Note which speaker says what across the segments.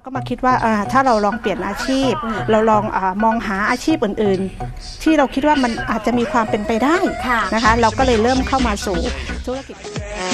Speaker 1: ก็มาคิดว่าถ้าเราลองเปลี่ยนอาชีพเราลองมองหาอาชีพอื่นๆที่เราคิดว่ามันอาจจะมีความเป็นไปได้นะคะเราก็เลยเริ่มเข้ามาสู่ธุรกิจ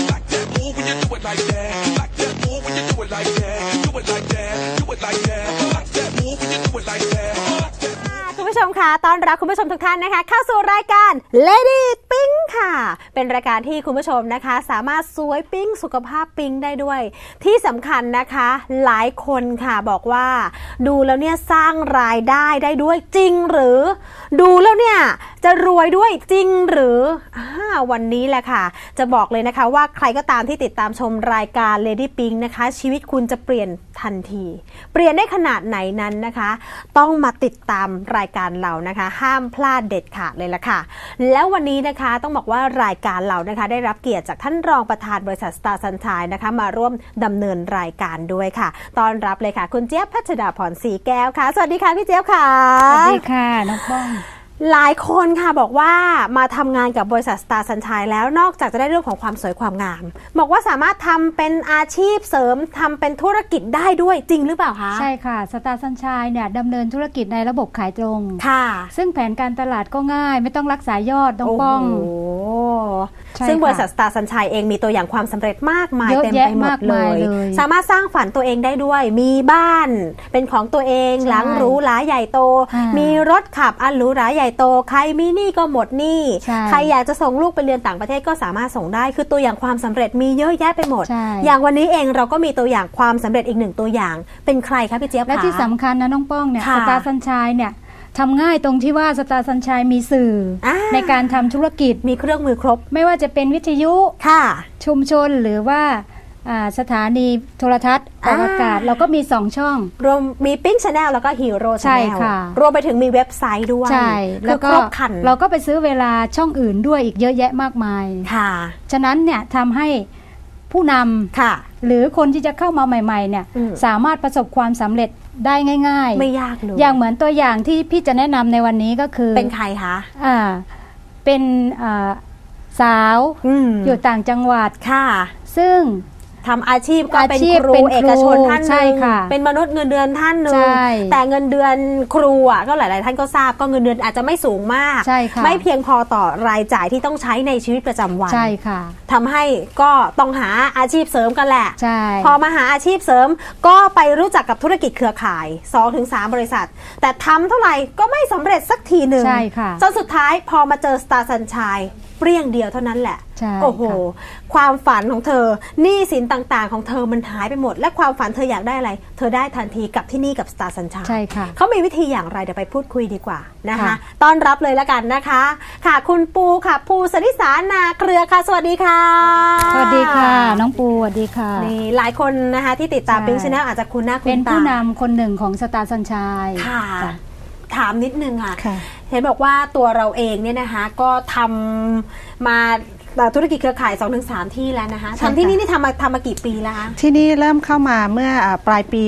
Speaker 2: คุณผู้ชมคะต้อนรับคุณผู้ชมทุกท่านนะคะเข้าสู่รายการ Lady Pink ค่ะเป็นรายการที่คุณผู้ชมนะคะสามารถสวยปิ๊งสุขภาพปิ๊งได้ด้วยที่สำคัญนะคะหลายคนค่ะบอกว่าดูแล้วเนี่ยสร้างรายได้ได้ด้วยจริงหรือดูแล้วเนี่ยจะรวยด้วยจริงหรือวันนี้แหละค่ะจะบอกเลยนะคะว่าใครก็ตามที่ติดตามชมรายการ Lady Pink นะคะชีวิตคุณจะเปลี่ยนทันทีเปลี่ยนได้ขนาดไหนนั้นนะคะต้องมาติดตามรายการเรานะคะห้ามพลาดเด็ดขาดเลยละค่ะแล้ววันนี้นะคะต้องบอกว่ารายการเรานะคะได้รับเกียรติจากท่านรองประธานบริษัท Star Sunshine นะคะมาร่วมดำเนินรายการด้วยค่ะต้อนรับเลยค่ะคุณเจี๊ยบพัชดาพรศรีแก้วค่ะสวัสดีค่ะพี่เจี๊ยบค่ะ
Speaker 3: สวัสดีค่ะน้องป้อง
Speaker 2: หลายคนค่ะบอกว่ามาทำงานกับบริษัท Star Sunshine แล้วนอกจากจะได้เรื่องของความสวยความงามบอกว่าสามารถทำเป็นอาชีพเสริมทำเป็นธุรกิจได้ด้วยจริงหรือเปล่าคะ
Speaker 3: ใช่ค่ะ Star Sunshine เนี่ยดำเนินธุรกิจในระบบขายตรง
Speaker 2: ค่ะ
Speaker 3: ซึ่งแผนการตลาดก็ง่ายไม่ต้องรักษายอดน้องป้อง
Speaker 2: ซึ่งบริษัท Star Sunshine เองมีตัวอย่างความสำเร็จมากมายเต็มไปหมดเลยสามารถสร้างฝันตัวเองได้ด้วยมีบ้านเป็นของตัวเองหลังหรูหราใหญ่โตมีรถขับอันหรูหราใหญ่โตใครมีหนี้ก็หมดหนี้ใครอยากจะส่งลูกไปเรียนต่างประเทศก็สามารถส่งได้คือตัวอย่างความสำเร็จมีเยอะแยะไปหมดอย่างวันนี้เองเราก็มีตัวอย่างความสำเร็จอีกหนึ่งตัวอย่างเป็นใครคะพี่เจี๊ยบคะ
Speaker 3: และที่สำคัญนะน้องป้องเนี่ย Star Sunshine เนี่ยทำง่ายตรงที่ว่า Star Sunshine มีสื่อในการทำธุรกิจ
Speaker 2: มีเครื่องมือครบ
Speaker 3: ไม่ว่าจะเป็นวิทยุชุมชนหรือว่าสถานีโทรทัศน์ออกอากาศเราก็มี2ช่อง
Speaker 2: รวมมีPink Channel แล้วก็Hero Channel รวมไปถึงมีเว็บไซต์ด้วย
Speaker 3: ใช่แล้วก็เราก็ไปซื้อเวลาช่องอื่นด้วยอีกเยอะแยะมากมาย
Speaker 2: ค่ะ
Speaker 3: ฉะนั้นเนี่ยทำให้ผู้นำหรือคนที่จะเข้ามาใหม่ๆเนี่ยสามารถประสบความสำเร็จได้ง่าย
Speaker 2: ๆไม่ยากเลย
Speaker 3: อย่างเหมือนตัวอย่างที่พี่จะแนะนำในวันนี้ก็คือ
Speaker 2: เป็นใครคะ
Speaker 3: เป็นสาวอยู่ต่างจังหวัด
Speaker 2: ค่ะ
Speaker 3: ซึ่ง
Speaker 2: ทำอาชีพก็เป็นครูเอกชนท่านหนึ่งเป็นมนุษย์เงินเดือนท่านหนึ่งแต่เงินเดือนครูก็หลายๆท่านก็ทราบก็เงินเดือนอาจจะไม่สูงมากไม่เพียงพอต่อรายจ่ายที่ต้องใช้ในชีวิตประจำวัน
Speaker 3: ใช่ค่ะ
Speaker 2: ทำให้ก็ต้องหาอาชีพเสริมกันแหละพอมาหาอาชีพเสริมก็ไปรู้จักกับธุรกิจเครือข่าย 2-3 บริษัทแต่ทำเท่าไหร่ก็ไม่สำเร็จสักทีหนึ่งจนสุดท้ายพอมาเจอ Star Sunshineเปรี้ยงเดียวเท่านั้นแหละโอ้โหความฝันของเธอหนี้สินต่างๆของเธอมันหายไปหมดและความฝันเธออยากได้อะไรเธอได้ทันทีกับที่นี่กับ Star Sunshine
Speaker 3: ใช่ค่ะ
Speaker 2: เขามีวิธีอย่างไรเดี๋ยวไปพูดคุยดีกว่านะคะต้อนรับเลยละกันนะคะค่ะคุณปูค่ะปูสริสานาเครือค่ะสวัสดีค่ะ
Speaker 3: สวัสดีค่ะน้องปูสวัสดีค่ะ
Speaker 2: นี่หลายคนนะคะที่ติดตาม Pink Channel อาจจะคุ้นหน้าคุ้นตา
Speaker 3: เป็นผู้นำคนหนึ่งของ Star Sunshine
Speaker 2: ค่ะถามนิดนึงค่ะเห็นบอกว่าตัวเราเองเนี่ยนะคะก็ทำมาธุรกิจเครือข่าย 2-3 ที่แล้วนะคะทำที่นี่ทำมากี่ปีแล้วคะ
Speaker 1: ที่นี่เริ่มเข้ามาเมื่อปลายปี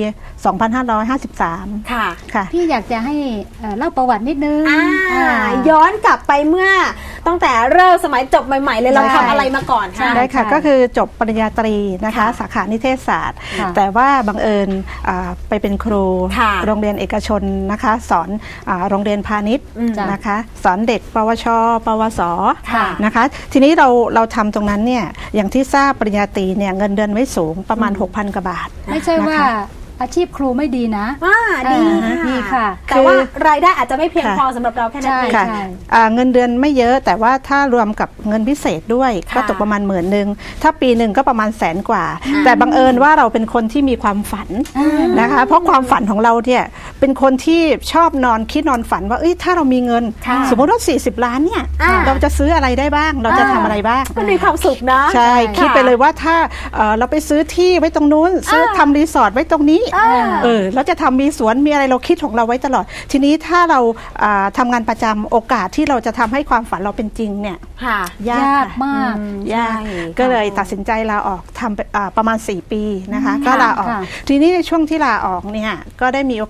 Speaker 1: 2553
Speaker 2: ค่ะ
Speaker 3: พี่อยากจะให้เล่าประวัตินิดนึง
Speaker 2: ย้อนกลับไปเมื่อตั้งแต่เริ่มสมัยจบใหม่ๆเลยเราทำอะไรมาก่อนคะ
Speaker 1: ได้ค่ะก็คือจบปริญญาตรีนะคะสาขานิเทศศาสตร์แต่ว่าบังเอิญไปเป็นครูโรงเรียนเอกชนนะคะสอนโรงเรียนพาณิชย์นะคะสอนเด็กปวชปวสนะคะทีนี้เราทำตรงนั้นเนี่ยอย่างที่ทราบปริญญาตรีเนี่ยเงินเดือนไม่สูงประมาณ 6,000 กว่าบาท
Speaker 3: ไม่ใช่ว่าอาชีพครูไม่ดีนะ
Speaker 2: ดีค่ะแต่ว่ารายได้อาจจะไม่เพียงพอสำหรับเราแค่นั้นเอง
Speaker 1: เงินเดือนไม่เยอะแต่ว่าถ้ารวมกับเงินพิเศษด้วยก็ตกประมาณ10,000ถ้าปีหนึ่งก็ประมาณ100,000 กว่าแต่บังเอิญว่าเราเป็นคนที่มีความฝันนะคะเพราะความฝันของเราเนี่ยเป็นคนที่ชอบนอนคิดนอนฝันว่าถ้าเรามีเงินสมมติว่า40 ล้านเนี่ยเราจะซื้ออะไรได้บ้างเราจะทำอะไรบ้าง
Speaker 2: มันมีความสุขนะ
Speaker 1: ใช่คิดไปเลยว่าถ้าเราไปซื้อที่ไว้ตรงนู้นซื้อทำรีสอร์ทไว้ตรงนี้แล้วจะทำมีสวนมีอะไรเราคิดของเราไว้ตลอดทีนี้ถ้าเราทำงานประจำโอกาสที่เราจะทำให้ความฝันเราเป็นจริงเนี่ย
Speaker 3: ยากมาก
Speaker 1: ยากก็เลยตัดสินใจลาออกทำประมาณ4 ปีนะคะก็ลาออกทีนี้ในช่วงที่ลาออกเนี่ยก็ได้มีโอกาสได้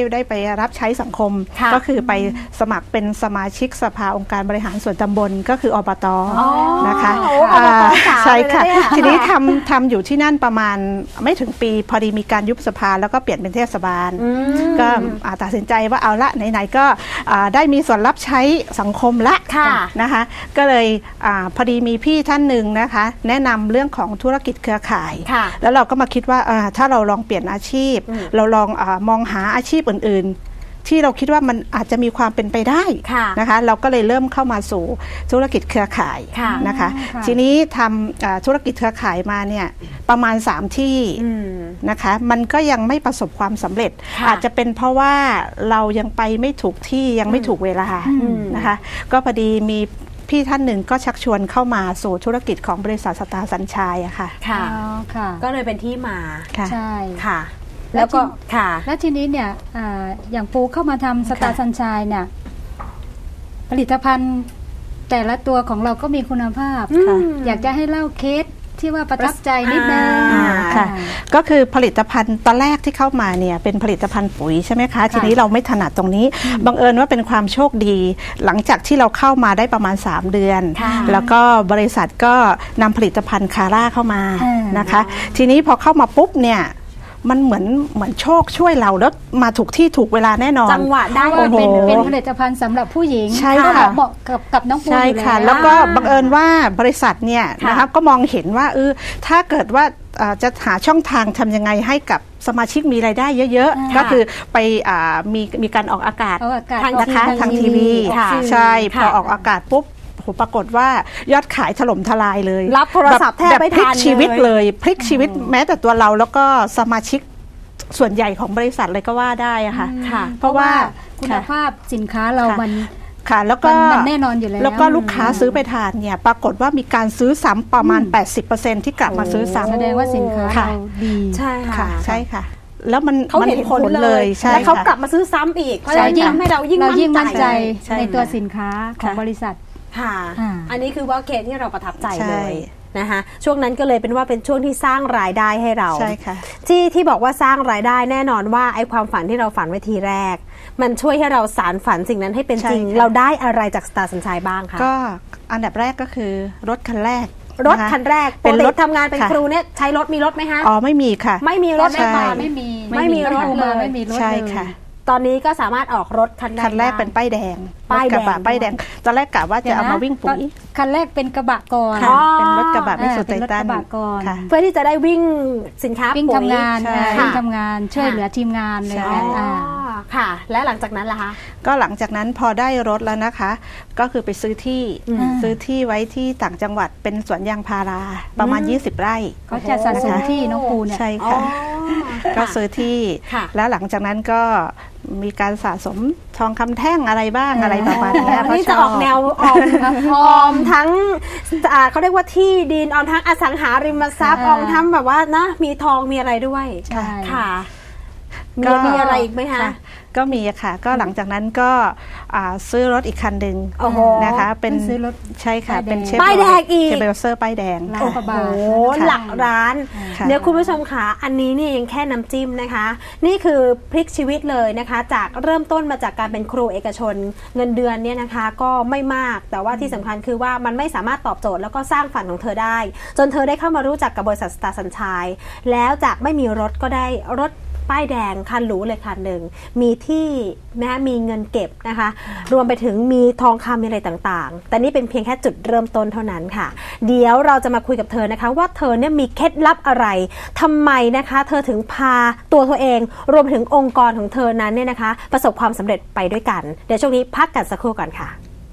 Speaker 1: ได้ไปรับใช้สังคมก็คือไปสมัครเป็นสมาชิกสภาองค์การบริหารส่วนตำบลก็คืออบต.นะคะใช่ค่ะทีนี้ทำอยู่ที่นั่นประมาณไม่ถึงปีพอดีมีการยุบสภาแล้วก็เปลี่ยนเป็นเทศบาลก็ตัดสินใจว่าเอาละไหนๆก็ได้มีส่วนรับใช้สังคมละนะคะก็เลยพอดีมีพี่ท่านหนึ่งนะคะแนะนำเรื่องของธุรกิจเครือข่ายแล้วเราก็มาคิดว่าถ้าเราลองเปลี่ยนอาชีพเราลองมองหาอาชีพอื่นๆที่เราคิดว่ามันอาจจะมีความเป็นไปได้นะคะเราก็เลยเริ่มเข้ามาสู่ธุรกิจเครือข่ายนะคะทีนี้ทำธุรกิจเครือข่ายมาเนี่ยประมาณ3ที่นะคะมันก็ยังไม่ประสบความสำเร็จอาจจะเป็นเพราะว่าเรายังไปไม่ถูกที่ยังไม่ถูกเวลานะคะก็พอดีมีพี่ท่านหนึ่งก็ชักชวนเข้ามาสู่ธุรกิจของบริษัทสตาร์สัญชัยอะค่ะ
Speaker 2: ก็เลยเป็นที่มา
Speaker 3: ใช่
Speaker 2: ค่ะ
Speaker 3: แล้วก็แล้วทีนี้เนี่ยอย่างปูเข้ามาทำสตาร์สัญชัยเนี่ยผลิตภัณฑ์แต่ละตัวของเราก็มีคุณภาพอยากจะให้เล่าเคสที่ว่าประทับใจนิดนึง
Speaker 1: ค่ะก็คือผลิตภัณฑ์ตอนแรกที่เข้ามาเนี่ยเป็นผลิตภัณฑ์ปุ๋ยใช่ไหมคะทีนี้เราไม่ถนัดตรงนี้บังเอิญว่าเป็นความโชคดีหลังจากที่เราเข้ามาได้ประมาณ3เดือนแล้วก็บริษัทก็นำผลิตภัณฑ์คาร่าเข้ามานะคะทีนี้พอเข้ามาปุ๊บเนี่ยมันเหมือนโชคช่วยเราแล้วมาถูกที่ถูกเวลาแน่นอน
Speaker 2: จังหวะได้
Speaker 3: เป็นผลิตภัณฑ์สำหรับผู้หญิง
Speaker 1: ใช่ค่ะ
Speaker 3: เหมาะกับน้องปูอยู่แล้ว
Speaker 1: แล้วก็บังเอิญว่าบริษัทเนี่ยนะครับก็มองเห็นว่าถ้าเกิดว่าจะหาช่องทางทำยังไงให้กับสมาชิกมีรายได้เยอะๆก็คือไปมีการออกอากาศนะคะทางทีวีใช่พอออกอากาศปุ๊บปรากฏว่ายอดขายถล่มทลายเลย
Speaker 2: รับโทรศัพท์แทบไม่ทัน
Speaker 1: พลิกชีวิตเลยพลิกชีวิตแม้แต่ตัวเราแล้วก็สมาชิกส่วนใหญ่ของบริษัทเลยก็ว่าได้อะค่ะ
Speaker 3: เพราะว่าคุณภาพสินค้าเรามัน
Speaker 1: ค่ะแล้วก็
Speaker 3: แน่นอนอยู่แล้ว
Speaker 1: แล้วก็ลูกค้าซื้อไปทานเนี่ยปรากฏว่ามีการซื้อซ้ำประมาณ 80% ที่กลับมาซื้อซ้ำ
Speaker 3: แสดงว่าสินค้าเราดี
Speaker 2: ใช่ค่ะ
Speaker 1: ใช่ค่ะแล้วมัน
Speaker 2: เขาเห็นผลเลยแล้วเขากลับมาซื้อซ้ำอีกเพราะฉะนั้นทำให้เรายิ่งมั่นใจ
Speaker 3: ในตัวสินค้าของบริษัท
Speaker 2: ค่ะอันนี้คือว่าเคสที่เราประทับใจเลยนะคะช่วงนั้นก็เลยเป็นว่าเป็นช่วงที่สร้างรายได้ให้เรา
Speaker 1: ใช่ค่ะ
Speaker 2: ที่บอกว่าสร้างรายได้แน่นอนว่าไอ้ความฝันที่เราฝันไว้ทีแรกมันช่วยให้เราสานฝันสิ่งนั้นให้เป็นจริงเราได้อะไรจากสตาร์สัญชัยบ้างคะ
Speaker 1: ก็อันดับแรกก็คือรถคันแรก
Speaker 2: เป็นรถทำงานเป็นครูเนี่ยใช้รถมีรถไหมคะ
Speaker 1: ไม่มีค่ะ
Speaker 2: ไม่มีรถ
Speaker 3: ไม่มี
Speaker 2: รถเลย
Speaker 1: ใช่ค่ะ
Speaker 2: ตอนนี้ก็สามารถออกรถคัน
Speaker 1: แรกเป็นป้ายแดงกระบะป้ายแดงตอนแรกกะว่าจะเอามาวิ่งปุ๋ย
Speaker 3: คันแรกเป็นกระบะก่อน
Speaker 1: เป็นรถกระบะไม่สุดไตตัน
Speaker 2: เพื่อที่จะได้วิ่งสินค้า
Speaker 3: ปุ๋ยทำงานช่วยเหลือทีมงานเลย
Speaker 2: ค่ะและหลังจากนั้นล่ะคะ
Speaker 1: ก็หลังจากนั้นพอได้รถแล้วนะคะก็คือไปซื้อที่ไว้ที่ต่างจังหวัดเป็นสวนยางพาราประมาณ20 ไร่
Speaker 3: เขาจะสะสมที่น้องปูเนี่ย
Speaker 1: ใช่ค่ะก็ซื้อที่แล้วหลังจากนั้นก็มีการสะสมทองคำแท่งอะไรบ้างอะไรประมาณนี้
Speaker 2: นี่จะออกแนวออมทั้งเขาเรียกว่าที่ดินออมทั้งอสังหาริมทรัพย์ออมทั้งแบบว่านะมีทองมีอะไรด้วยค่ะมีอะไรอีกไหมคะ
Speaker 1: ก็มีค่ะก็หลังจากนั้นก็ซื้อรถอีกคันหนึ่งนะคะเป็น
Speaker 3: ซื้อรถ
Speaker 1: ใช่ค่ะเป็น
Speaker 2: ป้ายแดงอีก
Speaker 1: เชฟเบลเซอร์ป้ายแดง
Speaker 2: โอ้โหหลักร้านเดี๋ยวคุณผู้ชมค่ะอันนี้นี่ยังแค่น้ำจิ้มนะคะนี่คือพลิกชีวิตเลยนะคะจากเริ่มต้นมาจากการเป็นครูเอกชนเงินเดือนเนี่ยนะคะก็ไม่มากแต่ว่าที่สำคัญคือว่ามันไม่สามารถตอบโจทย์แล้วก็สร้างฝันของเธอได้จนเธอได้เข้ามารู้จักกับบริษัทสตาร์สัญชัยแล้วจากไม่มีรถก็ได้รถป้ายแดงคันหรูเลยคันหนึ่งมีที่นะคะมีเงินเก็บนะคะรวมไปถึงมีทองคำมีอะไรต่างๆแต่นี่เป็นเพียงแค่จุดเริ่มต้นเท่านั้นค่ะเดี๋ยวเราจะมาคุยกับเธอนะคะว่าเธอเนี่ยมีเคล็ดลับอะไรทำไมนะคะเธอถึงพาตัวเธอเองรวมถึงองค์กรของเธอนั้นเนี่ยนะคะประสบความสำเร็จไปด้วยกันเดี๋ยวช่วงนี้พักกันสักครู่ก่อนค่ะ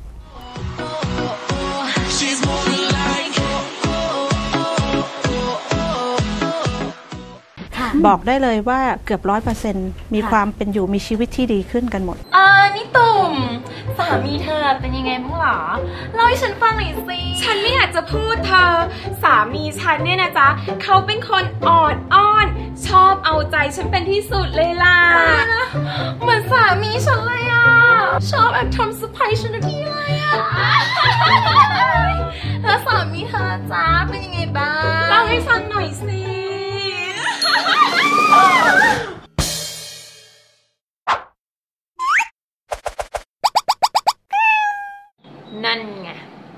Speaker 1: บอกได้เลยว่าเกือบ 100% มีความเป็นอยู่มีชีวิตที่ดีขึ้นกันหมด
Speaker 4: นี่ตุ่มสามีเธอเป็นยังไงบ้างหรอเล่าให้ฉันฟังหน่อยสิฉันไม่อยากจะพูดเธอสามีฉันเนี่ยนะจ๊ะเขาเป็นคนอ่อนอ้อนชอบเอาใจฉันเป็นที่สุดเลยล่ะเหมือนสามีฉันเลยอ่ะชอบแอบทำเซอร์ไพรส์ฉันทุกทีเลยอ่ะแล้วสามีเธอจ๊ะเป็นยังไงบ้างเล่าให้ฟังหน่อยสินั่นไง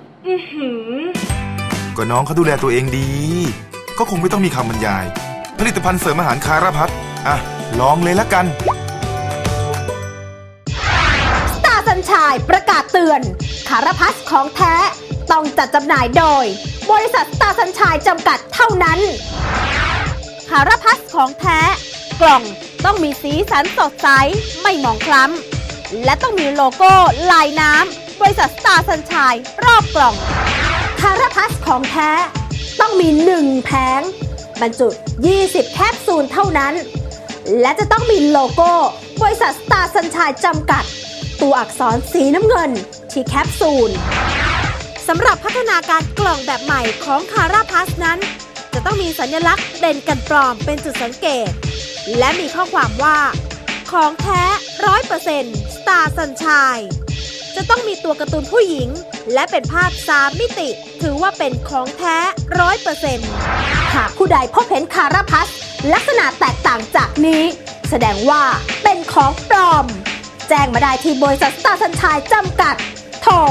Speaker 5: ก็น้องเขาดูแลตัวเองดีก็คงไม่ต้องมีคำบรรยายผลิตภัณฑ์เสริมอาหารคาราพัสอ่ะลองเลยละกัน
Speaker 2: สตาร์สัญชัยประกาศเตือนคาราพัสของแท้ต้องจัดจำหน่ายโดยบริษัทสตาร์สัญชัยจำกัดเท่านั้นคาราพัสของแท้กล่องต้องมีสีสันสดใสไม่หมองคล้ำและต้องมีโลโก้ลายน้ำบริษัทสตาร์สัญชัยรอบกล่องคาราพัสของแท้ต้องมี1แผงบรรจุ20แคปซูลเท่านั้นและจะต้องมีโลโก้บริษัทสตาร์สัญชัยจำกัดตัวอักษรสีน้ำเงินที่แคปซูลสำหรับพัฒนาการกล่องแบบใหม่ของคาราพัสนั้นจะต้องมีสัญลักษณ์เด่นกันปลอมเป็นจุดสังเกตและมีข้อความว่าของแท้ 100% สตาร์สัญชัยจะต้องมีตัวการ์ตูนผู้หญิงและเป็นภาพ3มิติถือว่าเป็นของแท้ 100% หากผู้ใดพบเห็นคาราพัสลักษณะแตกต่างจากนี้แสดงว่าเป็นของปลอมแจ้งมาได้ที่บริษัทสตาร์สัญชัยจำกัดโทร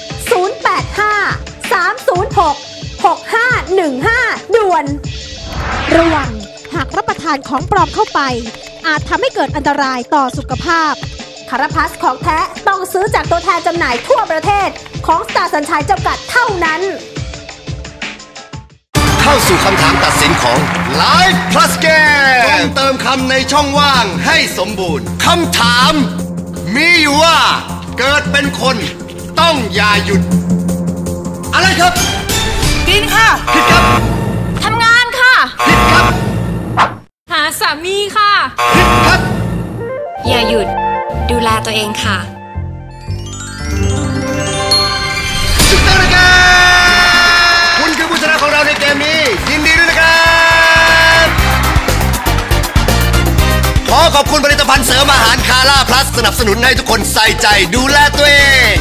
Speaker 2: 085-306-6515 ด่วนระวังหากรับประทานของปลอมเข้าไปอาจทำให้เกิดอันตรายต่อสุขภาพคาราพัสของแท้ต้องซื้อจากตัวแทนจำหน่ายทั่วประเทศของสตาร์สัญชัยจำกัดเท่านั้น
Speaker 6: เข้าสู่คำถามตัดสินของ Live Plus Game ต้องเติมคำในช่องว่างให้สมบูรณ์คำถามมีอยู่ว่าเกิดเป็นคนต้องอย่าหยุดอะไรครับ
Speaker 4: กินค่ะ
Speaker 6: ผิดครับ
Speaker 4: ทำงานค่ะ
Speaker 6: ผิดครับ
Speaker 4: หาสามีค่ะ
Speaker 6: ผิดครับ
Speaker 4: อย่าหยุดดูแลตัวเองค่ะ
Speaker 6: ถูกต้องนะครับคุณคือผู้ชนะของเราในเกมนี้ยินดีด้วยนะครับขอขอบคุณผลิตภัณฑ์เสริมอาหารคาร่าพลัสสนับสนุนให้ทุกคนใส่ใจดูแลตัวเอง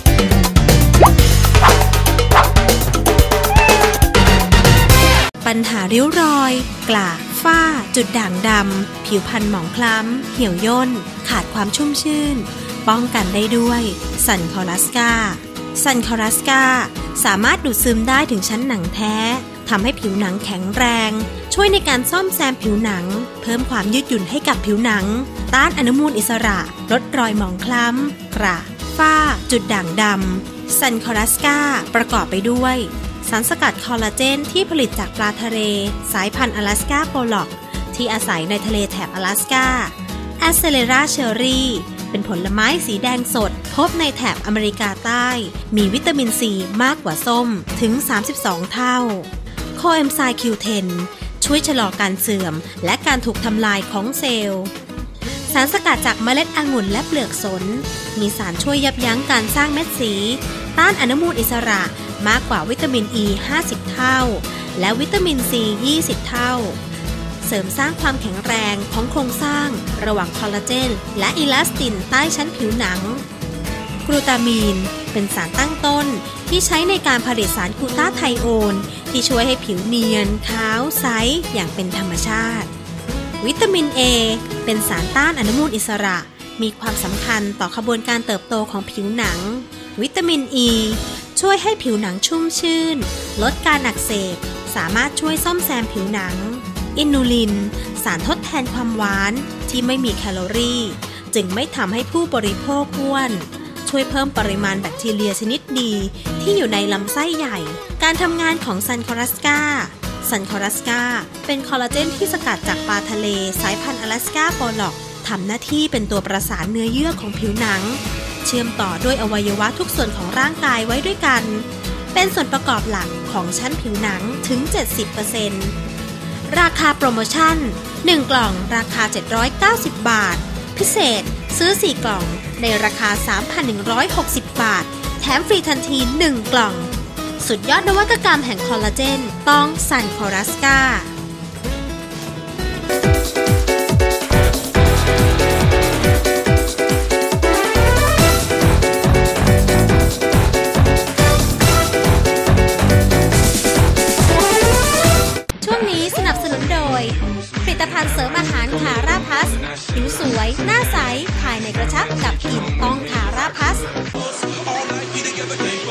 Speaker 7: ปัญหาริ้วรอยกระฝ้าจุดด่างดำผิวพรรณหมองคล้ำเหี่ยวย่นขาดความชุ่มชื่นป้องกันได้ด้วยซันคอรัสกาซันคอรัสกาสามารถดูดซึมได้ถึงชั้นหนังแท้ทำให้ผิวหนังแข็งแรงช่วยในการซ่อมแซมผิวหนังเพิ่มความยืดหยุ่นให้กับผิวหนังต้านอนุมูลอิสระลดรอยหมองคล้ำกระฝ้าจุดด่างดำซันคอรัสกาประกอบไปด้วยสารสกัดคอลลาเจนที่ผลิตจากปลาทะเลสายพันธุ์อลาสก้าโปล็อกที่อาศัยในทะเลแถบอลาสก้าแอสเซเลราเชอรี่เป็นผลไม้สีแดงสดพบในแถบอเมริกาใต้มีวิตามินซีมากกว่าส้มถึง32เท่าโคเอนไซม์ Q10 ช่วยชะลอการเสื่อมและการถูกทำลายของเซลล์สารสกัดจากเมล็ดองุ่นและเปลือกสนมีสารช่วยยับยั้งการสร้างเม็ดสีต้านอนุมูลอิสระมากกว่าวิตามินอ E 50 เท่าและวิตามินซี20 เท่าเสริมสร้างความแข็งแรงของโครงสร้างระหว่างคอลลาเจนและอิลาสตินใต้ชั้นผิวหนังกลูตามีนเป็นสารตั้งต้นที่ใช้ในการผลิตสารกลูตาไทโอนที่ช่วยให้ผิวเนียนขาวใสอย่างเป็นธรรมชาติวิตามิน A เป็นสารต้านอนุมูลอิสระมีความสำคัญต่อขบวนการเติบโตของผิวหนังวิตามิน E ช่วยให้ผิวหนังชุ่มชื่นลดการอักเสบสามารถช่วยซ่อมแซมผิวหนังอินูลินสารทดแทนความหวานที่ไม่มีแคลอรี่จึงไม่ทำให้ผู้บริโภคอ้วนช่วยเพิ่มปริมาณแบคทีเรียชนิดดีที่อยู่ในลำไส้ใหญ่การทำงานของซันคอรัสกาเป็นคอลลาเจนที่สกัดจากปลาทะเลสายพันธุ์อลาสก้าโปล็อกทำหน้าที่เป็นตัวประสานเนื้อเยื่อของผิวหนังเชื่อมต่อด้วยอวัยวะทุกส่วนของร่างกายไว้ด้วยกันเป็นส่วนประกอบหลักของชั้นผิวหนังถึง 70% ราคาโปรโมชั่น1กล่องราคา790 บาทพิเศษซื้อ4กล่องในราคา 3,160 บาทแถมฟรีทันที1กล่องสุดยอดนวัตกรรมแห่งคอลลาเจนต้องซันคอรัสกาผลิตภัณฑ์เสริมอาหารคาร่าพัสผิวสวยหน้าใสภายในกระชับกับกลิ่นต้องคาร่าพัส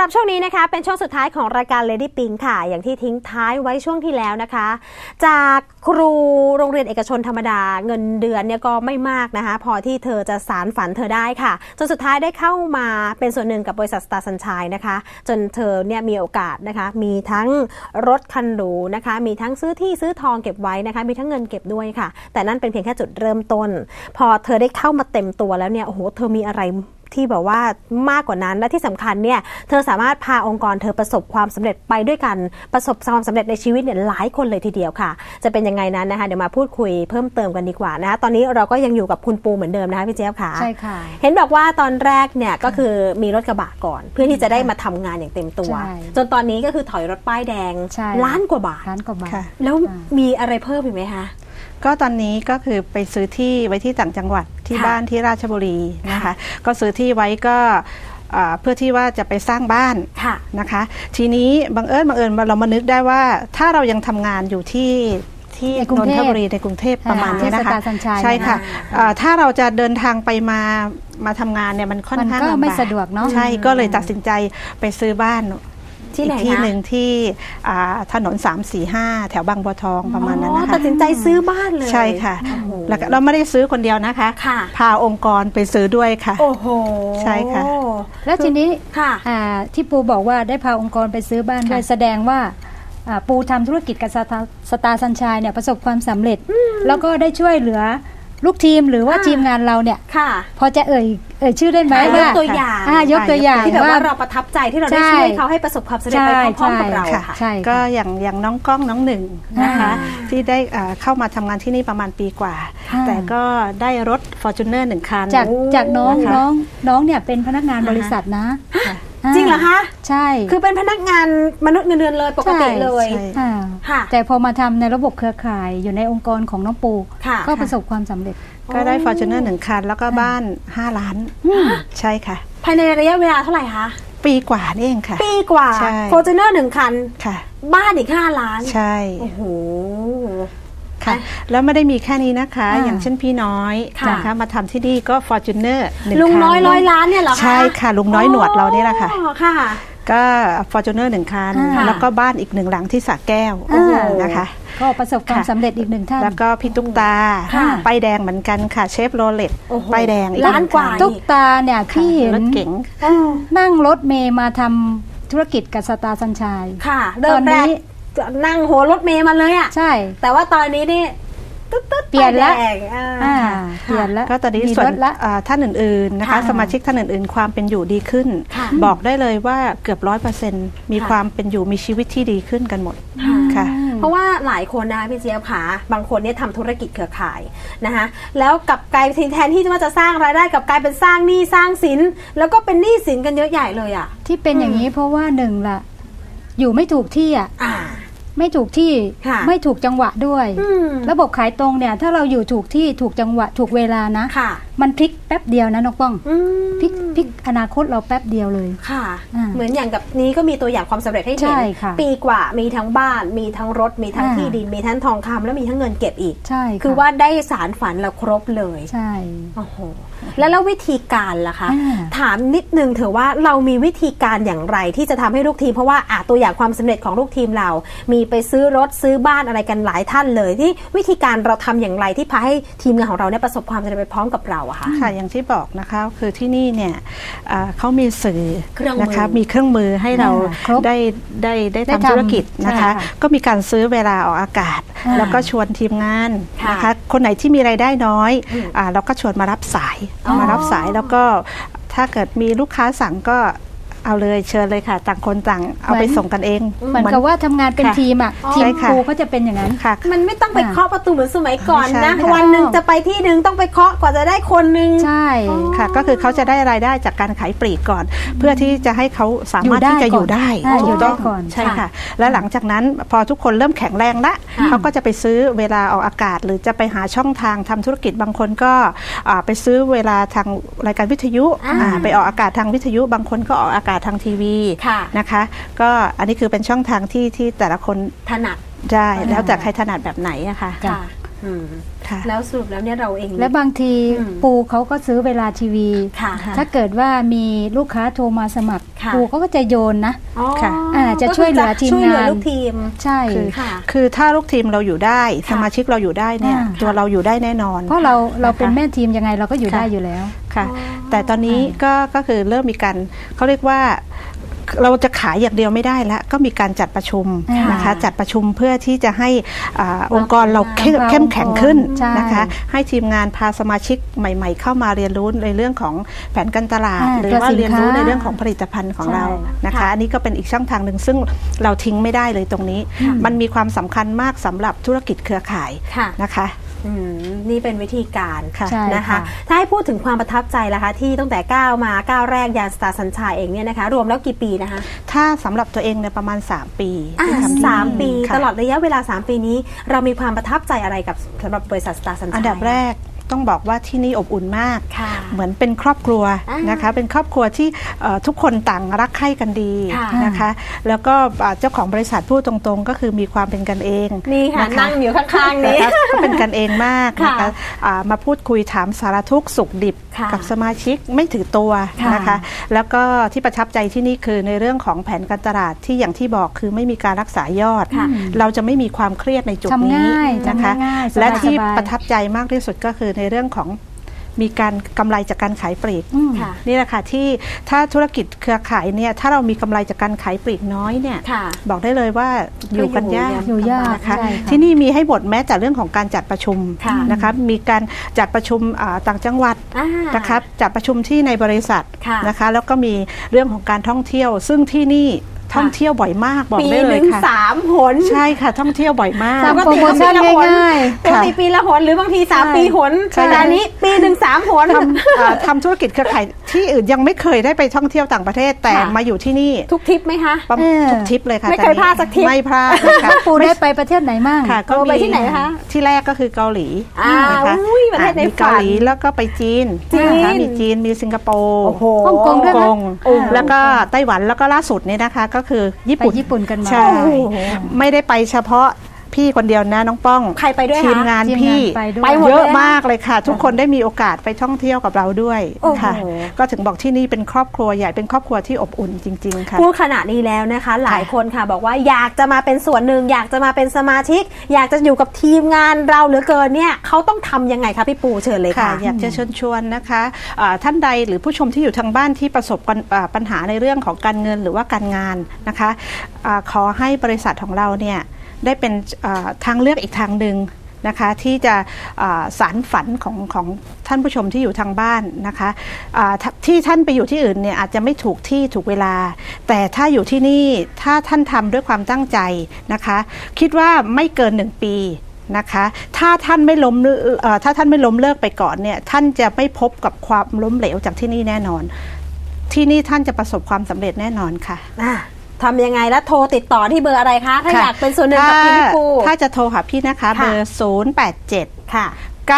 Speaker 2: รับช่วงนี้นะคะเป็นช่วงสุดท้ายของรายการ Lady Pink ค่ะอย่างที่ทิ้งท้ายไว้ช่วงที่แล้วนะคะจากครูโรงเรียนเอกชนธรรมดาเงินเดือนเนี่ยก็ไม่มากนะคะพอที่เธอจะสานฝันเธอได้ค่ะจนสุดท้ายได้เข้ามาเป็นส่วนหนึ่งกับบริษัท Star Sunshine นะคะจนเธอเนี่ยมีโอกาสนะคะมีทั้งรถคันหรูนะคะมีทั้งซื้อที่ซื้อทองเก็บไว้นะคะมีทั้งเงินเก็บด้วยค่ะแต่นั่นเป็นเพียงแค่จุดเริ่มต้นพอเธอได้เข้ามาเต็มตัวแล้วเนี่ยโอ้โหเธอมีอะไรที่แบบว่ามากกว่านั้นและที่สำคัญเนี่ยเธอสามารถพาองค์กรเธอประสบความสำเร็จไปด้วยกันประสบความสำเร็จในชีวิตเนี่ยหลายคนเลยทีเดียวค่ะจะเป็นยังไงนั้นนะคะเดี๋ยวมาพูดคุยเพิ่มเติมกันดีกว่านะคะตอนนี้เราก็ยังอยู่กับคุณปูเหมือนเดิมนะคะพี่เจี๊ยบค่ะ
Speaker 3: ใช่ค่ะ
Speaker 2: เห็นบอกว่าตอนแรกเนี่ยก็คือมีรถกระบะก่อนเพื่อที่จะได้มาทำงานอย่างเต็มตัวจนตอนนี้ก็คือถอยรถป้ายแดงล้านกว่าบาทแล้วมีอะไรเพิ่มอีกไหมคะ
Speaker 1: ก็ตอนนี้ก็คือไปซื้อที่ไว้ที่ต่างจังหวัดที่บ้านที่ราชบุรีนะคะก็ซื้อที่ไว้ก็เพื่อที่ว่าจะไปสร้างบ้านนะคะทีนี้บังเอิญเรามานึกได้ว่าถ้าเรายังทำงานอยู่ที่นนทบุรีในกรุงเทพประมาณนี้นะคะใช่ค่ะถ้าเราจะเดินทางไปมาทำงานเนี่ยมันค่อนข้างลำบาก
Speaker 3: ไม่สะดวกเนาะ
Speaker 1: ใช่ก็เลยตัดสินใจไปซื้อบ้าน
Speaker 2: ที่ไหน
Speaker 1: ที่หนึ่งที่ถนน345แถวบางบัวทองประมาณนั้นนะคะ
Speaker 2: ตัดสินใจซื้อบ้านเลย
Speaker 1: ใช่ค่ะแล้วเราไม่ได้ซื้อคนเดียวนะคะพาองค์กรไปซื้อด้วยค่ะ
Speaker 2: โอ้โห
Speaker 1: ใช่ค่ะ
Speaker 3: แล้วทีนี้ที่ปูบอกว่าได้พาองค์กรไปซื้อบ้านด้วยแสดงว่าปูทำธุรกิจกับสตาร์ซันชัยเนี่ยประสบความสำเร็จแล้วก็ได้ช่วยเหลือลูกทีมหรือว่าทีมงานเราเนี่ยพอจะเอ่ยชื่อได้ไหม
Speaker 2: ว่ายกตัวอย่างที่แบบว่าเราประทับใจที่เราได้ช่วยเขาให้ประสบความสำเร็จไปพร้อมๆกับเราค่ะ
Speaker 1: ก็อย่างน้องก้องน้องหนึ่งนะคะที่ได้เข้ามาทำงานที่นี่ประมาณปีกว่าแต่ก็ได้รถ Fortuner 1 คัน
Speaker 3: จากน้องเนี่ยเป็นพนักงานบริษัทนะ
Speaker 2: จริงเหรอคะ
Speaker 3: ใช่
Speaker 2: คือเป็นพนักงานมนุษย์เงินเดือนเลยปกติเลย
Speaker 3: แต่พอมาทำในระบบเครือข่ายอยู่ในองค์กรของน้องปูก็ประสบความสำเร็จ
Speaker 1: ก็ได้ Fortuner 1 คันแล้วก็บ้าน5 ล้านใช่ค่ะ
Speaker 2: ภายในระยะเวลาเท่าไหร่คะ
Speaker 1: ปีกว่านี่เองค่ะ
Speaker 2: ปีกว่า Fortuner 1 คัน
Speaker 1: ค่ะ
Speaker 2: บ้านอีก5 ล้าน
Speaker 1: ใช่
Speaker 2: โอ้โห
Speaker 1: ค่ะแล้วไม่ได้มีแค่นี้นะคะอย่างเช่นพี่น้อยนะคะมาทำที่นี่ก็ Fortuner 1 คัน
Speaker 2: ลุงน้อย100 ล้านเนี่ยเหรอคะ
Speaker 1: ใช่ค่ะลุงน้อยหนวดเราเนี่ยแหละค่ะก็ Fortuner 1 คันแล้วก็บ้านอีก1 หลังที่สระแก้วนะคะ
Speaker 3: ก็ประสบความสำเร็จอีก1 ท่าน
Speaker 1: แล้วก็พี่ตุ๊กตาป้ายแดงเหมือนกันค่ะเชฟโรเลตป้ายแดง
Speaker 2: ล้านกว่า
Speaker 3: ตุ๊กตาเนี่ยที่เห็น
Speaker 1: รถเก๋ง
Speaker 3: นั่งรถเมย์มาทำธุรกิจกับสตาร์ซันชัย
Speaker 2: ค่ะตอนนี้นั่งหัวรถเมย์มาเลยอ่ะ
Speaker 3: ใช่
Speaker 2: แต่ว่าตอนนี้นี่
Speaker 3: เปลี่ยนแล้วเปลี่ยนแล้ว
Speaker 1: ก็ตอนนี้ส่วนท่านอื่นๆนะคะสมาชิกท่านอื่นๆความเป็นอยู่ดีขึ้นบอกได้เลยว่าเกือบ100%มีความเป็นอยู่มีชีวิตที่ดีขึ้นกันหมดค่ะ
Speaker 2: เพราะว่าหลายคนนะคะพี่เจี๊ยบค่ะบางคนเนี่ยทำธุรกิจเครือข่ายนะคะแล้วกับกลายเป็นแทนที่จะสร้างรายได้กับกลายเป็นสร้างหนี้สร้างสินแล้วก็เป็นหนี้สินกันเยอะใหญ่เลยอ่ะ
Speaker 3: ที่เป็นอย่างนี้เพราะว่า1ล่ะอยู่ไม่ถูกที่อ่ะไม่ถูกที่ไม่ถูกจังหวะด้วยระบบขายตรงเนี่ยถ้าเราอยู่ถูกที่ถูกจังหวะถูกเวลานะมันพลิกแป๊บเดียวนะน้องป้องพลิกอนาคตเราแป๊บเดียวเลย
Speaker 2: ค่ะเหมือนอย่างกับนี้ก็มีตัวอย่างความสำเร็จให้เห็นปีกว่ามีทั้งบ้านมีทั้งรถมีทั้งที่ดินมีทั้งทองคำแล้วมีทั้งเงินเก็บอีก
Speaker 3: ใช่
Speaker 2: คือว่าได้สารฝันเราครบเลย
Speaker 3: ใช่
Speaker 2: โอ้โหแล้ววิธีการล่ะคะถามนิดนึงเถอะว่าเรามีวิธีการอย่างไรที่จะทำให้ลูกทีมเพราะว่าตัวอย่างความสำเร็จของลูกทีมเรามีไปซื้อรถซื้อบ้านอะไรกันหลายท่านเลยที่วิธีการเราทำอย่างไรที่พาให้ทีมงานของเราเนี่ยประสบความสำเร็จไปพร้อมกับเราอะคะ
Speaker 1: ค่ะอย่างที่บอกนะคะคือที่นี่เนี่ยเขามีสื่อนะคะมีเครื่องมือให้เราได้ทำธุรกิจนะคะก็มีการซื้อเวลาออกอากาศแล้วก็ชวนทีมงานนะคะคนไหนที่มีรายได้น้อยเราก็ชวนมารับสายแล้วก็ถ้าเกิดมีลูกค้าสั่งก็เอาเลยเชิญเลยค่ะต่างคนต่างเอาไปส่งกันเอง
Speaker 3: เหมือนกับว่าทำงานเป็นทีมอ่ะทีมครูเขาจะเป็นอย่างนั้น
Speaker 1: ค่ะ
Speaker 2: มันไม่ต้องไปเคาะประตูเหมือนสมัยก่อนนะวันหนึ่งจะไปที่หนึ่งต้องไปเคาะกว่าจะได้คนหนึ่ง
Speaker 3: ใช่
Speaker 1: ค่ะก็คือเขาจะได้รายได้จากการขายปลีกก่อนเพื่อที่จะให้เขาสามารถที่จะอยู่ได้
Speaker 3: ก่อน
Speaker 1: ใช่ค่ะแล้วหลังจากนั้นพอทุกคนเริ่มแข็งแรงละเขาก็จะไปซื้อเวลาออกอากาศหรือจะไปหาช่องทางทำธุรกิจบางคนก็ไปซื้อเวลาทางรายการวิทยุไปออกอากาศทางวิทยุบางคนก็ออกอากาศทางทีวีนะคะก็อันนี้คือเป็นช่องทางที่แต่ละคน
Speaker 2: ถนัด
Speaker 1: ได้แล้วแต่ใครถนัดแบบไหนอะค่ะ
Speaker 2: แล้วสรุปแล้วเนี่ยเราเอง
Speaker 3: และบางทีปูเขาก็ซื้อเวลาทีวีถ้าเกิดว่ามีลูกค้าโทรมาสมัครปูเขาก็จะโยนนะจะช่วยเหลือทีมงาน
Speaker 2: ลูกทีม
Speaker 3: ใช่
Speaker 1: คือถ้าลูกทีมเราอยู่ได้สมาชิกเราอยู่ได้เนี่ยตัวเราอยู่ได้แน่นอน
Speaker 3: เพราะเราเป็นแม่ทีมยังไงเราก็อยู่ได้อยู่แล้ว
Speaker 1: ค่ะแต่ตอนนี้ก็คือเริ่มมีการเขาเรียกว่าเราจะขายอย่างเดียวไม่ได้แล้วก็มีการจัดประชุมนะคะจัดประชุมเพื่อที่จะให้องค์กรเราเข้มแข็งขึ้นนะคะให้ทีมงานพาสมาชิกใหม่ๆเข้ามาเรียนรู้ในเรื่องของแผนการตลาดหรือว่าเรียนรู้ในเรื่องของผลิตภัณฑ์ของเรานะคะอันนี้ก็เป็นอีกช่องทางหนึ่งซึ่งเราทิ้งไม่ได้เลยตรงนี้มันมีความสำคัญมากสำหรับธุรกิจเครือข่ายนะคะ
Speaker 2: นี่เป็นวิธีการนะคะถ้าให้พูดถึงความประทับใจล่ะคะที่ตั้งแต่ก้าวแรกยานสตาร์สัญชัยเองเนี่ยนะคะรวมแล้วกี่ปีนะคะ
Speaker 1: ถ้าสำหรับตัวเองเนี่ยประมาณ3 ปี
Speaker 2: 3 ปีตลอดระยะเวลา3 ปีนี้เรามีความประทับใจอะไรกับสำหรับบริษัทสตาร์สัญชัย
Speaker 1: อันดับแรกต้องบอกว่าที่นี่อบอุ่นมากเหมือนเป็นครอบครัวนะคะเป็นครอบครัวที่ทุกคนต่างรักใคร่กันดีนะคะแล้วก็เจ้าของบริษัทพูดตรงๆก็คือมีความเป็นกันเอง
Speaker 2: นี่ค่ะนั่งอยู่ข้างๆนี้
Speaker 1: ก็เป็นกันเองมากนะคะมาพูดคุยถามสารทุกข์สุขดิบกับสมาชิกไม่ถือตัวนะคะแล้วก็ที่ประทับใจที่นี่คือในเรื่องของแผนการตลาดที่อย่างที่บอกคือไม่มีการรักษายอดเราจะไม่มีความเครียดในจุดนี้นะคะและที่ประทับใจมากที่สุดก็คือในเรื่องของมีการกำไรจากการขายปลีกนี่แหละค่ะที่ถ้าธุรกิจเครือข่ายเนี่ยถ้าเรามีกำไรจากการขายปลีกน้อยเนี่ยบอกได้เลยว่าอยู่กันยากนะคะที่นี่มีให้บทแม้แต่เรื่องของการจัดประชุมนะคะมีการจัดประชุมต่างจังหวัดนะคะจัดประชุมที่ในบริษัทนะคะแล้วก็มีเรื่องของการท่องเที่ยวซึ่งที่นี่ท่องเที่ยวบ่อยมากบอกได้เลยค่ะ
Speaker 2: ปี 1 3 หน
Speaker 1: ใช่ค่ะท่องเที่ยวบ่อยมาก
Speaker 3: โปรโมชั่นง่าย
Speaker 2: ๆปกติปีละหนหรือบางที3 ปีหนแต่อันนี้ปี 1 3 หน
Speaker 1: ทำธุรกิจเครือข่ายที่อื่นยังไม่เคยได้ไปท่องเที่ยวต่างประเทศแต่มาอยู่ที่นี่
Speaker 2: ทุกทริปไหมคะ
Speaker 1: ทุกทริปเลยค่ะ
Speaker 2: ไม่เคยพลาดสักทริป
Speaker 1: ไม่พลาดค่ะ
Speaker 3: ปูได้ไปประเทศไหนมั่ง
Speaker 1: ค่ะก็ไปที่ไหนคะที่แรกก็คือเกาหลี
Speaker 2: นะคะประเทศใน
Speaker 1: เกาหลีแล้วก็ไปจีนมีจีนมีสิงคโปร์
Speaker 3: ฮ่องกงด้วย
Speaker 1: แล้วก็ไต้หวันแล้วก็ล่าสุดนี่นะคะก็คือญี่ปุ่น
Speaker 3: กันมา
Speaker 1: ใช่ไม่ได้ไปเฉพาะพี่คนเดียวนะน้องป้อง
Speaker 2: ใครไปด้วย
Speaker 1: ทีมงานพี่ไปเยอะมากเลยค่ะทุกคนได้มีโอกาสไปท่องเที่ยวกับเราด้วยค่ะก็ถึงบอกที่นี่เป็นครอบครัวใหญ่เป็นครอบครัวที่อบอุ่นจริงๆค่ะ
Speaker 2: พูดขนาดนี้แล้วนะคะหลายคนค่ะบอกว่าอยากจะมาเป็นส่วนหนึ่งอยากจะมาเป็นสมาชิกอยากจะอยู่กับทีมงานเราเหลือเกินเนี่ยเขาต้องทำยังไงคะพี่ปูเชิญเลยค่ะ
Speaker 1: อยากจะเชิญชวนนะคะท่านใดหรือผู้ชมที่อยู่ทางบ้านที่ประสบปัญหาในเรื่องของการเงินหรือว่าการงานนะคะขอให้บริษัทของเราเนี่ยได้เป็นทางเลือกอีกทางหนึ่งนะคะที่จะสานฝันของท่านผู้ชมที่อยู่ทางบ้านนะคะที่ท่านไปอยู่ที่อื่นเนี่ยอาจจะไม่ถูกที่ถูกเวลาแต่ถ้าอยู่ที่นี่ถ้าท่านทำด้วยความตั้งใจนะคะคิดว่าไม่เกิน1 ปีนะคะถ้าท่านไม่ล้มเลิกไปก่อนเนี่ยท่านจะไม่พบกับความล้มเหลวจากที่นี่แน่นอนที่นี่ท่านจะประสบความสำเร็จแน่นอนค่ะ
Speaker 2: ทำยังไงแล้วโทรติดต่อที่เบอร์อะไรคะถ้าอยากเป็นส่วนหนึ่งกับพี่ปู
Speaker 1: ถ้าจะโทรหาพี่นะคะเบอร์087ค่ะ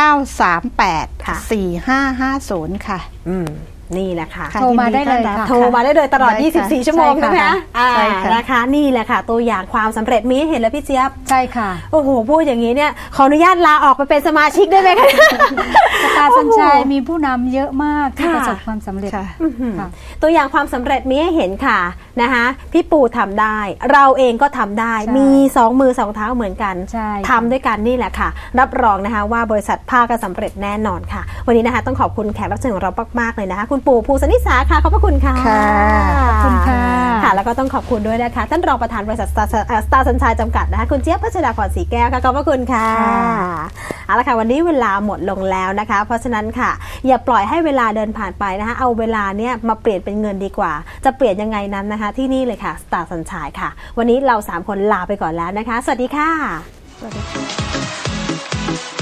Speaker 1: 938 4550ค่ะ
Speaker 2: นี่แหละค่ะ
Speaker 3: โทรมาได้เลยค่ะ
Speaker 2: โทรมาได้เลยตลอด24 ชั่วโมงนะคะนะคะนี่แหละค่ะตัวอย่างความสำเร็จมีให้เห็นแล้วพี่เจี๊ยบ
Speaker 3: ใช่ค่ะ
Speaker 2: โอ้โหพูดอย่างนี้เนี่ยขออนุญาตลาออกไปเป็นสมาชิกได้ไหมคะ
Speaker 3: สตาร์สัญชัยมีผู้นำเยอะมากที่ประสบความสำเร็จ
Speaker 2: ตัวอย่างความสำเร็จมีให้เห็นค่ะนะคะพี่ปูทำได้เราเองก็ทำได้มี2 มือ 2 เท้าเหมือนกันทำด้วยกันนี่แหละค่ะรับรองนะคะว่าบริษัทภาคสำเร็จแน่นอนค่ะวันนี้นะคะต้องขอบคุณแขกรับเชิญของเรามากๆเลยนะคะคุณปู่ภูสนิสาค่ะขอบพระคุณค่ะ
Speaker 3: ขอบคุณค่ะ
Speaker 2: ค่ะแล้วก็ต้องขอบคุณด้วยนะคะท่านรองประธานบริษัทสตาร์สัญชัยจำกัดนะคะคุณเจี๊ยบพัชราพรศรีแก้วค่ะขอบพระคุณค่ะเอาละค่ะวันนี้เวลาหมดลงแล้วนะคะเพราะฉะนั้นค่ะอย่าปล่อยให้เวลาเดินผ่านไปนะคะเอาเวลาเนี้ยมาเปลี่ยนเป็นเงินดีกว่าจะเปลี่ยนยังไงนั้นนะคะที่นี่เลยค่ะสตาร์สัญชัยค่ะวันนี้เรา3 คนลาไปก่อนแล้วนะคะสวัสดีค่ะสวัสดีค่ะ